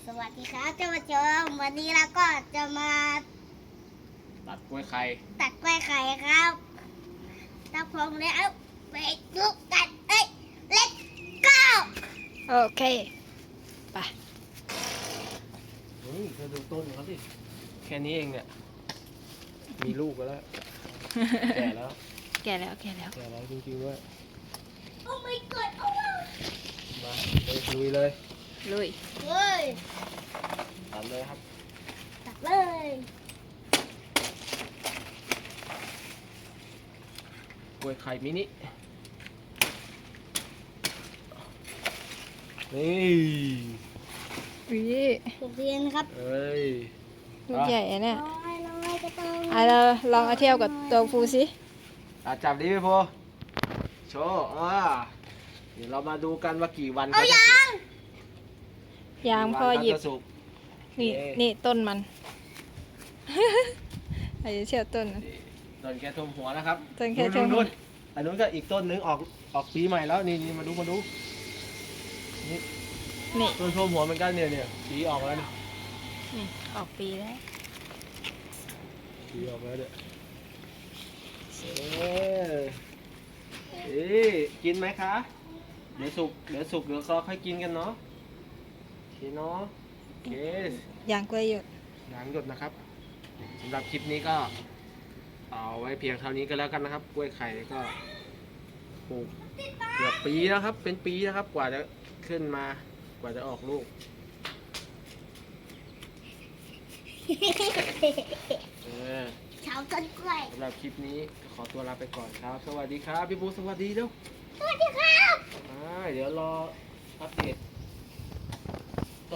สวัสดีครับท่านผู้ชมวันนี้เราก็จะมาตัดกล้วยไข่ตัดกล้วยไข่ครับถ้าพร้อมแล้วไปดูกันlet's go โอเค ไปเฮ้ยเธอดูต้นเขาสิแค่นี้เองเนี่ยมีลูกกันแล้ว แก่แล้วแก่แล้วแก่แล้วแก่แล้วจริงๆว่าโอ้ my god โอ้มาเลยลุยเลยลุยเฮ้ยตัดเลยครับตัดเลยกล้วยไข่มินินี่วิถูกเรียนครับเอ้ยลูกใหญ่อะเนี่ยน้อยก็ต้องเราลองเอาเทียบกับตัวฟูสิจับดิพี่โพโชว์เดี๋ยวเรามาดูกันว่ากี่วันเอาจะยัสุกงยางพ่อหยิบกี่วันเขาจะสุกนี่เอ๊ะนี่ต้นมัน อาจจะเชี่ยวต้นนะต้นแค่ท่วมหัวนะครับต้นแค่ท่วมหัวนู่นอันนู้นก็อีกต้นนึงออกปีใหม่แล้วนี่มาดูนี่นี่ต้นท่วมหัวเหมือนกันเนี่ยปีออกแล้วนี่นี่ออกปีแล้วปีออกแล้วเนี่ยเอ๊ะกินไหมคะเดี๋ยวสุกเดี๋ยวก็ค่อยกินกันเนาะโอเคเนาะโอเคยางกล้วยหยดยางหยดนะครับสำหรับคลิปนี้ก็เอาไว้เพียงเท่านี้ก็แล้วกันนะครับกล้วยไข่ก็ปลูกเกือบปีแล้วครับเป็นปีนะครับกว่าจะขึ้นมากว่าจะออกลูกเออชาวต้นกล้วยสำหรับคลิปนี้ก็ขอตัวลาไปก่อนครับ สวัสดีครับ พี่บูสวัสดีเด้วสวัสดีครับเดี๋ยวรออัปเดต